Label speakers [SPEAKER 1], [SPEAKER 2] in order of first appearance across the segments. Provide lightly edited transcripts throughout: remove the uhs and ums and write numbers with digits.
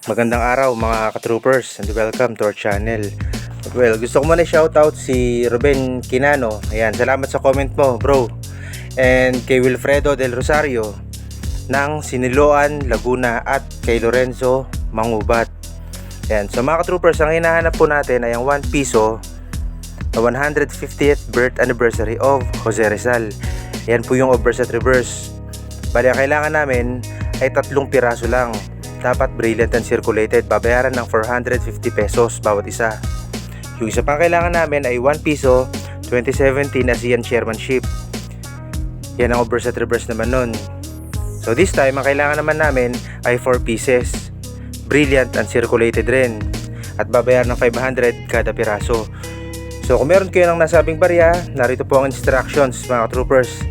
[SPEAKER 1] Magandang araw mga ka-troopers and welcome to our channel. Well, gusto ko muna shoutout si Ruben Quinano. Ayan, salamat sa comment mo bro. And kay Wilfredo Del Rosario ng Siniloan, Laguna at kay Lorenzo Mangubat. Ayan, so mga ka-troopers, ang hinahanap po natin ay ang 1 piso na 150th birth anniversary of Jose Rizal. Ayan po yung obverse at reverse. Bali, ang kailangan namin ay 3 piraso lang. Dapat brilliant and circulated. Babayaran ng 450 pesos bawat isa. Yung isa pang kailangan namin ay 1 piso 2017 ASEAN Chairmanship. Yan ang obverse at reverse naman nun. So this time, ang kailangan naman namin ay 4 pieces. Brilliant and circulated rin. At babayaran ng 500 kada piraso. So kung meron kayo ng nasabing barya, narito po ang instructions mga troopers.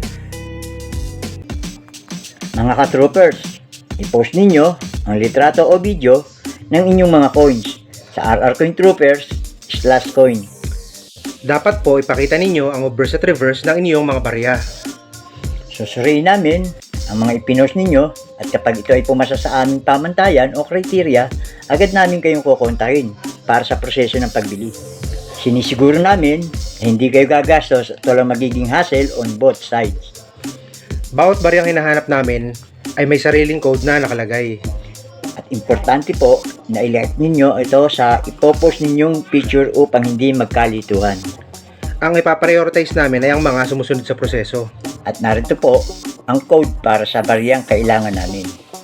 [SPEAKER 2] Mga ka-troopers, i-post ninyo ang litrato o video ng inyong mga coins sa RR Coin Troopers /coin.
[SPEAKER 1] Dapat po ipakita ninyo ang obverse at reverse ng inyong mga barya.
[SPEAKER 2] Susuriin namin ang mga ipinost ninyo at kapag ito ay pumasa sa aming pamantayan o kriteria, agad namin kayong kukontahin para sa proseso ng pagbili. Sinisiguro namin na hindi kayo gagastos at walang magiging hassle on both sides.
[SPEAKER 1] Bawat baryang hinahanap namin ay may sariling code na nakalagay.
[SPEAKER 2] At importante po na i-like ninyo ito sa ipopost ninyong picture upang hindi magkalituhan.
[SPEAKER 1] Ang ipaprioritize namin ay ang mga sumusunod sa proseso.
[SPEAKER 2] At narito po ang code para sa bariyang kailangan namin.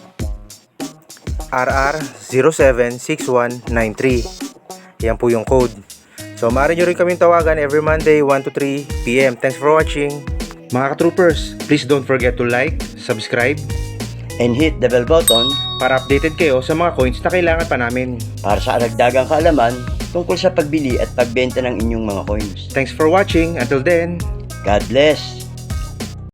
[SPEAKER 1] RR076193. Yan po yung code. So maaari nyo rin kaming tawagan every Monday 1 to 3 PM. Thanks for watching. Mga ka-troopers, please don't forget to like, subscribe,
[SPEAKER 2] And hit the bell button
[SPEAKER 1] para updated kayo sa mga coins na kailangan pa namin.
[SPEAKER 2] para sa aragdagang kaalaman tungkol sa pagbili at pagbenta ng inyong mga coins.
[SPEAKER 1] Thanks for watching. Until then,
[SPEAKER 2] God bless!